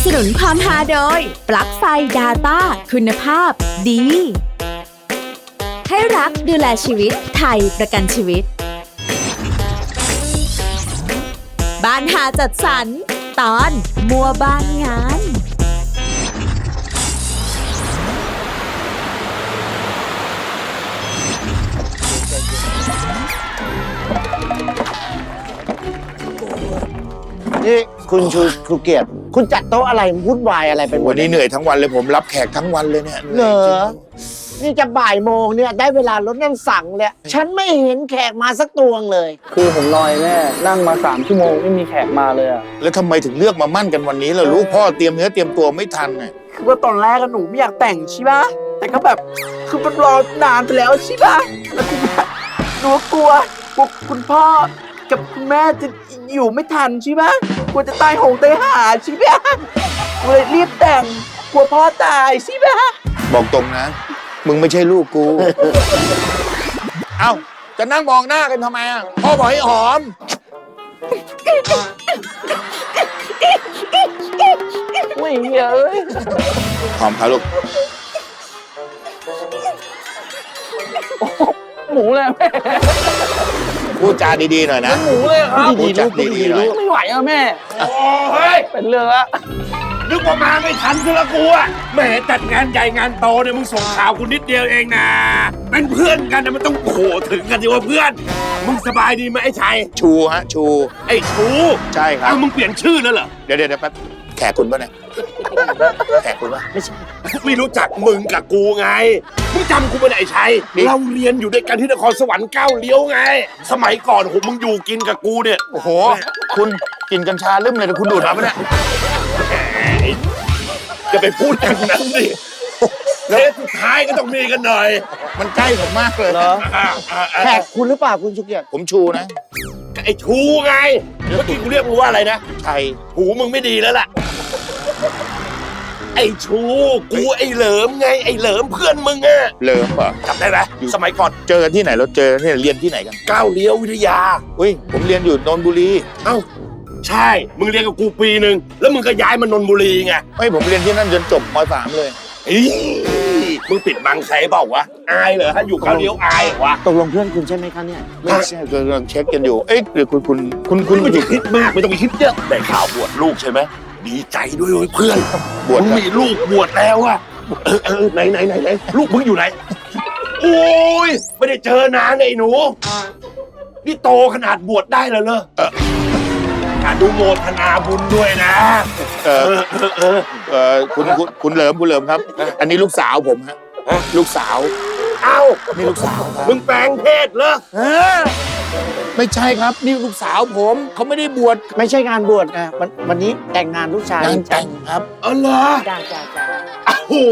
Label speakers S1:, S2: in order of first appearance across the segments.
S1: สนุนความฮาโดยปลั๊กไฟ Data คุณภาพดีให้รักดูแลชีวิตไทยประกันชีวิตบ้านหาจัดสรรตอนมัวบ้านงาน
S2: นี่คุณชูเกียรติคุณจัดโต๊ะอะไรวุ่นวายอะไรไปหมด
S3: วันนี้เหนื่อยทั้งวันเลยผมรับแขกทั้งวันเลยเนี่ย
S2: เหรอนี่จะบ่ายโมงเนี่ยได้เวลารถน้ำสั่งเลยฉันไม่เห็นแขกมาสักตวงเลย
S4: คือผมรอแม่นั่งมา3 ชั่วโมงไม่มีแขกมาเลยอะ
S3: แล้วทำไมถึงเลือกมามั่นกันวันนี้ล่ะลูกพ่อเตรียมเนื้อเตรียมตัวไม่ทันไง
S4: คือว่าตอนแรกหนูไม่อยากแต่งใช่ปะแต่ก็แบบคือมันรอนานไปแล้วใช่ปะแล้วทีนี้หนูกลัวคุณพ่อกับคุณแม่จะอยู่ไม่ทันใช่ปะกลัวจะตายโหงตายหาใช่ปะเลยรีบแต่งกลัวพ่อตายใช่ปะ
S3: บอกตรงนะ มึงไม่ใช่ลูกกู เอ้าจะนั่งมองหน้ากันทำไมอ่ะพ่อบอกให้หอม
S4: ไม่เหี้ยเอ้ย
S3: หอมครับลูก
S4: หมูเลยแม่
S3: พูดจาดีๆหน่อยนะ
S4: หมูเลยครับ
S3: พูดจาดีๆหน่อย
S4: ไม่ไหวอะแม่
S5: โอ้เฮ้ย
S4: เป็นเรื่องละ
S5: นึกว่ามาไม่ทันซะละกูอะแหมจัดงานใหญ่งานโตเนี่ยมึงส่งข่าวกูนิดเดียวเองนะเป็นเพื่อนกันนะมันต้องโอ้โหถึงกันสิว่าเพื่อนมึงสบายดีไหมไอ้ชัย
S3: ชูฮะชู
S5: ไอ้ชู
S3: ใช่ครับ
S5: อ้าวมึงเปลี่ยนชื่อแล้วเหรอ
S3: เดี๋ยวแป๊บแขกคุณป่ะเนี่ยแขกคุณป่ะ
S5: ไม่รู้จักมึงกับกูไงมึงจำกูไม่ได้ไอ้ชัย
S3: นี่
S5: เราเรียนอยู่ด้วยกันที่นครสวรรค์ก้าวเลี้ยวไง สมัยก่อนโหมึงอยู่กินกับกูเนี่ย
S3: โอ้โห คุณกินกัญชาลืมเลยแต่คุณดูดมาปะเนี่ย
S5: จะไปพูดอย่างนั้นดิเทปสุดท้ายก็ต้องมีกันหน่อย
S3: มันใกล้ผมมากเลย
S4: เหรอ
S2: แขกคุณหรือเปล่าคุณชูเกียรติ
S3: ผมชูนะ
S5: ไอ้ชูไงเมื่อกี้กูเรียกมึงว่าอะไรนะ
S3: ชัย
S5: หูมึงไม่ดีแล้วล่ะ ไอ้ชูกูไอ้เหลิมไงไอ้เหลิมเพื่อนมึงอะ
S3: เลิมเหรอ
S5: จำได้ไหมสมัยก่อน
S3: เจอกันที่ไหนเราเจอที่ไหนเรียนที่ไหนกัน
S5: ก้าวเลี้ยววิทยา
S3: อุ้ยผมเรียนอยู่นนทบุรี
S5: เอ้าใช่มึงเรียนกับกูปีหนึ่งแล้วมึงก็ย้ายมานนทบุรีไง
S3: ไม่ผมเรียนที่นั่นจนจบม.3 เลย
S5: อีมึงปิดบังใครเปล่าวะอายเหรอถ้าอยู่ก้าวเลี้ยวอายเหรอวะ
S2: ตกลงเพื่อนคุณใช่ไหมคะเนี่ย
S3: ไม่ใช่กำลังเช็คกันอยู่ เอ๊ะหรือคุณ
S5: ไม่ต้องคิดมากไม่ต้องไปคิดเยอะได้ข่าวบวชลูกใช่ไหมดีใจด้วยเว้ยเพื่อน
S3: บวช
S5: มึงมีลูกบวชแล้วอะไหนลูกมึงอยู่ไหนโอ้ยไม่ได้เจอนานไอ้หนูนี่โตขนาดบวชได้แล้วเหรออนุโมทนาบุญด้วยนะ
S3: คุณเหลิมครับ อันนี้ลูกสาวผมฮะลูกสาว
S5: เอ้า
S3: นี่ลูกสาวครับ
S5: มึงแปลงเพศเหรอ
S3: ไม่ใช่ครับนี่ลูกสาวผมเขาไม่ได้บวช
S2: ไม่ใช่งานบวชนะวันนี้แต่งงานลูกชาย
S3: งานแต่งครับ
S5: อ๋อเหรอ
S2: จ้า
S5: โอ้โห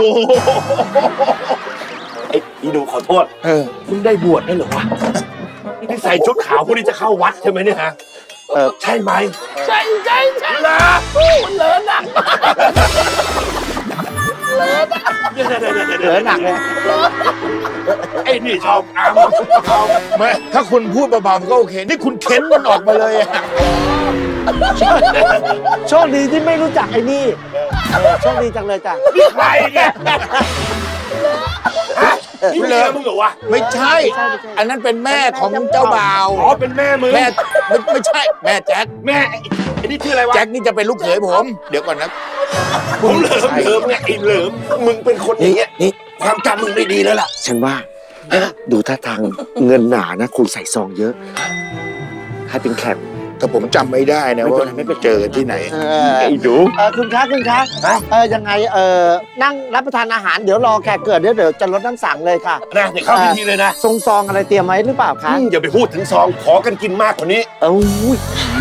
S5: ไอ้อีหนูขอโทษ มึงได้บวชได้เหรอวะนี่ใส่ชุดขาวพวกนี้จะเข้าวัดใช่ไหมเนี่ยฮะใช่ไหมใช่เหรอมันเลอะหนัก
S2: เหลือหนักเลย
S5: ไอ้นี่ชอบอ้ามชอบ
S3: ไม่ถ้าคุณพูดเบาๆก็โอเค นี่คุณเค้นมันออกมาเลยอะ
S2: โชคดีที่ไม่รู้จักไอ้นี่โชคดีจังเลยจ้ะ
S5: นี่ใครเนี่ยฮะนี่เมียมึงเหรอวะ
S3: ไม่ใช่ อันนั้นเป็นแม่ของเจ้าบ่าว
S5: อ๋อเป็นแม่มึง
S3: แม่ไม่ใช่ แม่แจ็ค
S5: แม่ไอ้นี่ชื่ออะไรวะ
S3: แจ็คนี่จะเป็นลูกเขยผม เดี๋ยวก่อนนะ
S5: ผมเหลิมไงไอ้เหลิมมึงเป็นคนอย่างเงี้ยนี่ความจำมึงไม่ดีแล้วล่ะ
S2: ฉันว่าดูท่าทางเงินหนานะคุณใส่ซองเยอะให้เป็นแขก
S3: แต่ผมจำไม่ได้นะว่าเจอกันที่ไหน
S5: ไอ้หนู
S2: คุณคะยังไงนั่งรับประทานอาหารเดี๋ยวรอแขกเกิดเดี๋ยวจะลดน้ำสั่งเลยค่ะ
S5: นะเดี๋ยวเข้าพิธีเลยนะ
S2: ทรงซองอะไรเตรียมไว้หรือเปล่าคะ
S5: อย่าไปพูดถึงซองขอกันกินมากกว่านี้
S2: เอ้ย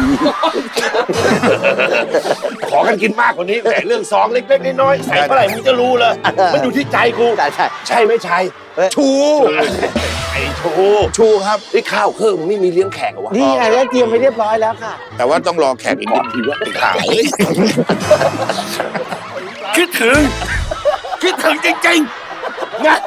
S5: ขอกันกินมากกว่านี้แต่เรื่องซองเล็กๆน้อยๆใส่เท่าไหร่มึงจะรู้เลยมันอยู่ที่ใจกู
S2: ใช่
S5: ใช่ไม่ใช่
S3: ชู
S5: ไอ้โช
S3: ชูครับ
S5: นี่ข้าวเครื่องมึงไม่มีเลี้ยงแขกเหรอวะ
S2: นี่ไงได้เตรียมไว้เรียบร้อยแล้วค่ะ
S3: แต่ว่าต้องรอแขกอีกนิดทีว่าไอ้ข่าว
S5: คิดถึงจริงๆนะ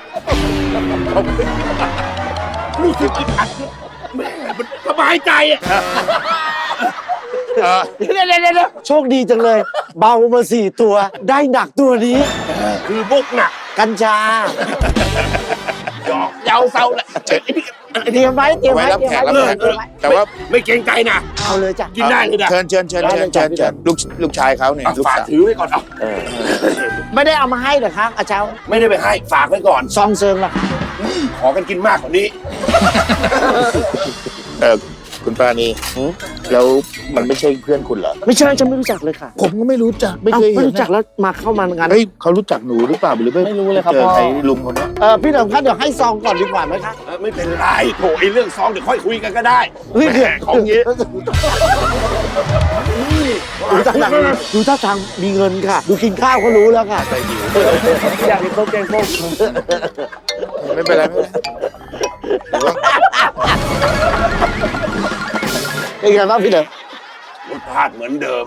S5: รู้สึกอึดอัดแม่มันสบายใจอ่ะ
S2: เดี๋ยวโชคดีจังเลย เบามา4 ตัว ได้หนักตัวนี้
S5: คือบุกหนัก
S2: กัญชา
S5: หยอกเยาเซาแหละ
S2: เตรียมไว้เตรียม
S3: ไว้
S2: ไว้
S3: รับ
S2: เตรีย
S3: แข
S2: ม
S3: ก
S2: ไว้
S3: รับแขกแต่ว่า
S5: ไม่เกรงใจนะ
S2: เอาเลยจ้ะ
S5: กินได้เลยนะ
S3: เชิญลูกชายเขาเนี่ย
S5: เอา
S3: ลูก
S5: ฝาก
S3: สาว
S5: ถือไว้ก่อนเอา
S2: ไม่ได้เอามาให้เหรอคะอาเจ้า
S5: ไม่ได้ไปให้ฝากไว้ก่อน
S2: ซองเซิงล่ะคะ
S5: ขอกันกินมากกว่านี้
S3: คุณปราณีแล้วมันไม่ใช่เพื่อนคุณเหรอ
S2: ไม่ใช่ฉันไม่รู้จักเลยค่ะ
S3: ผมก็ไม่รู้จักไม่เคย
S2: ไม่
S3: เห็น
S2: รู้จักแล้วมาเข้ามางาน
S3: เฮ้ยเขารู้จักหนูหรือเปล่าหรือไม่รู้เลยครับพ่อไอ้ลุงคนนี้
S2: พี่เหลิมคะเดี๋ยวให้ซองก่อนดีกว่าไหมคะ
S5: ไม่เป็นไรโถไอ้เรื่องซองเดี๋ยวค่อยคุยกันก็ได้
S2: เฮ้ย
S5: แหมของเงี้ย
S2: ดูท่าทางมีเงินค่ะ ดูกินข้าวก็รู้แล้วค่ะ
S4: อยากกินต้มแกงส้ม
S3: ไม่เป็นไรไม่เป็นไรหรือว่า
S2: เป็นไงบ้างพี่เหลิม
S5: รสชาติเหมือนเดิม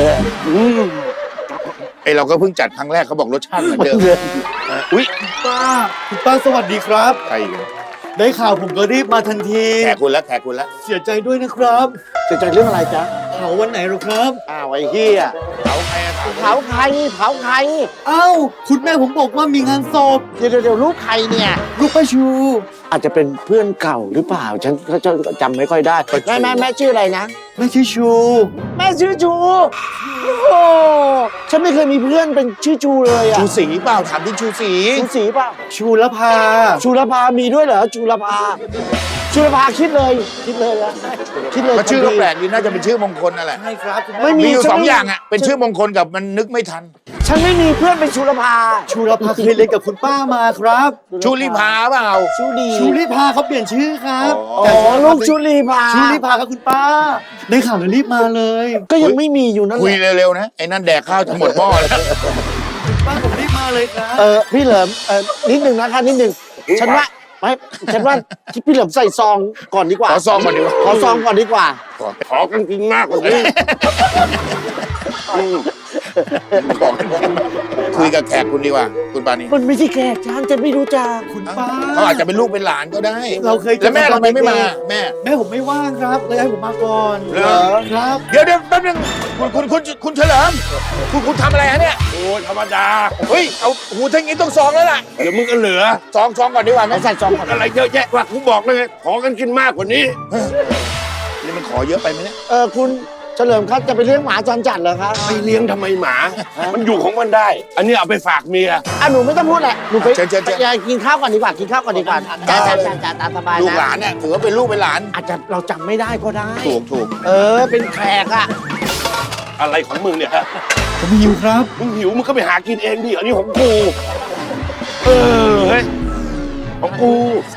S3: ไอเราก็เพิ่งจัดครั้งแรกเขาบอกรสชาติเหมือนเดิม
S5: อุ้ย
S6: ป้าคุณป้าสวัสดีครับ
S3: ใครอีก
S6: ได้ข่าวผมก็รีบมาทันที
S3: แขกคุณละแขกคุณละ
S6: เสียใจด้วยนะครับ
S2: จะใจเรื่องอะไรจ๊ะ
S6: เผาวันไหนหรอครับ
S2: อ้าวไอ้เฮีย
S3: เขาใครอะ
S2: เผาใครเผาใคร
S6: เอ้า คุณแม่ผมบอกว่ามีงานศพ
S2: เดี๋ยวลูกใครเนี่ย
S6: ลูกป้าชู
S2: อาจจะเป็นเพื่อนเก่าหรือเปล่า ฉันก็จำไม่ค่อยได้แม่ชื่ออะไรนะ
S6: ไม่ใช่ชู
S2: แม่ชื่อจูโอ้ฉันไม่เคยมีเพื่อนเป็นชื่อจูเลยอะ
S3: ชูศรีเปล่าถามที่ชูศรี
S2: ชูศรีเปล่า
S6: ชูละพา
S2: ชูรพามีด้วยเหรอชูรพาคิดเลยนะคิดเลย
S3: ก็ชื่อก็แปลกดีน่าจะเป็นชื่อมงคลนั่นแหละ
S6: ใช่ครับคุณแม่
S2: ไม่
S3: มีอยู่
S2: ฉัน
S3: สองอย่างอ่ะเป็นชื่อมงคลกับมันนึกไม่ทัน
S2: ฉันไม่มีเพื่อนเป็นชูรพา
S6: ชูละพาเคยเรียนกับคุณป้ามาครับ
S3: ชูริพาเปล่า
S2: ชูดี
S6: ชูลิพาเขาเปลี่ยนชื่อครับ
S2: อ๋อลูกชูรีพา
S6: ชูลิพาครับคุณป้า ได้ข่าวแล้วรีบมาเลย
S2: ก็ยังไม่มีอยู่นั่นแห
S3: คุย
S2: ละ
S3: เร็วๆนะไอ้นั่นแดกข้าวจะหมดหม้อแล้ว
S6: ป้าผมรีบมาเลยครับ
S2: พี่เหลิมนิดหนึ่งนะคะนิดหนึ่งฉันว่าพี่เหลิมใส่ซองก่อนดีกว่า
S3: ขอซองก่อนดีกว่า
S2: ขอซองก่อนดีกว่า
S5: ขอกันกินมากกว่านี้
S3: บอกคุยกับแขกคุณดีกว่า คุณปานี
S2: มันไม่ใช่แขกฉันไม่รู้จัก
S6: คุณป้า
S3: เขาอาจจะเป็นลูกเป็นหลานก็ได้
S6: เราเคยเจอ
S3: แล้วแม่ทำไมไม่มาแม่
S6: แม่ผมไม่ว่างครับเลยให้ผมมาก่อน
S3: เหรอ
S6: ครับ
S3: เดี๋ยวแป๊บนึงคุณเฉลิมคุณทำอะไรฮะเนี่ย
S5: โอ้ยธรรมดา
S3: เฮ้ยเอาหูทั้งนี้ต้องซองแล้วล่ะ
S5: เดี๋ยวมึงก็เหลือ
S3: ซองก่อนดีกว่าไหม
S2: ใส่ซองก่อน
S5: อะไรเยอะแยะว่ากูบอกเลยไงขอกันกินมากกว่านี้
S3: นี่มันขอเยอะไปไหมเนี่ย
S2: คุณเฉลิมครับจะไปเลี้ยงหมาจรจัดเหรอครับ
S5: ไปเลี้ยงทำไมหมา มันอยู่ของมันได้ อันนี้เอาไปฝากเมีย
S2: หนูไม่ต้องพูดแหละหนูไป
S3: เชิญ
S2: กินข้าวก่อนดีกว่ากินข้าวก่อนดีกว่าจ้าตามสบาย
S3: ลูกห
S2: นะ
S3: ลานเนี่ยถือว่าเป็นลูกเป็นหลาน
S2: อาจจะเราจำไม่ได้ก็ได้
S3: ถูก
S2: เป็นแขกอะ
S5: อะไรของมึงเนี่ยฮะ
S6: ผมหิวครับ
S5: มึงหิวมึงก็ไปหากินเองดิ อันนี้ของกู เฮ้ย ของกู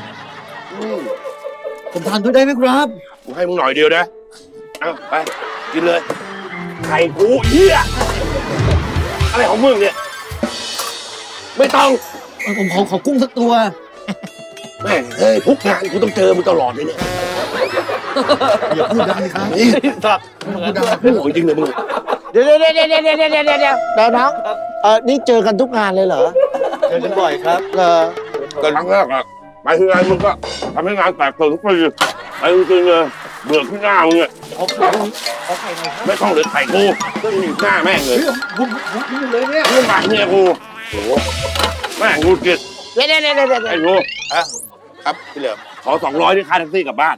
S6: ผมทานด้วยได้ไหมครับ
S5: กูให้มึงหน่อยเดียวนะ เอาไป กินเลย ไข่กูเหี้ย อะไรของมึงเนี่ย ไม่ต้อง
S6: ผมขอกุ้งสักตัว
S5: แม่งเฮ้ยทุกงานกูต้องเจอมึงตลอดเลยเนี่ย
S6: อย่าพูดดังสิครับ
S5: นี่ตัดโอ้ยจริงเลยมึง
S2: เดี๋ยวน้องนี่เจอกันทุกงานเลยเหรอ
S6: เจอกันบ่อยครับ
S5: ครั้งแรกอะไปที่งานมึงก็ทำให้งานแตกตื่นทุกปีไปจริงๆเลยเบื่อขึ้นหน้ามึงเนี่ยไม่ต้องเลยไข่กูก็มีหน้าแม่งเลย
S6: ผมเลยเนี่ย
S5: เรื่องบาดเนี่ยกูโอ้โหแม่งงูกิด
S2: เดี๋ยว
S5: ไอ้กู
S3: อ่ะครับพี่เหลิม
S5: ขอ200ที่ค่าแท็กซี่กลับบ้าน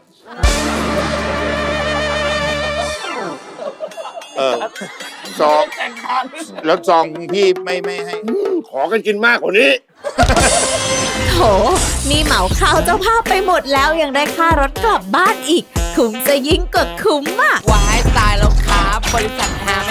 S3: ซองแล้วซองพี่ไม่ให้
S5: ขอกันกินมากกว่านี้
S1: โถนี่เหมาข้าวเจ้าภาพไปหมดแล้วยังได้ค่ารถกลับบ้านอีก คุ้มจะยิ่งกว่าคุ้มอ่ะ
S7: วายตายแล้วครับบริษัทฮาม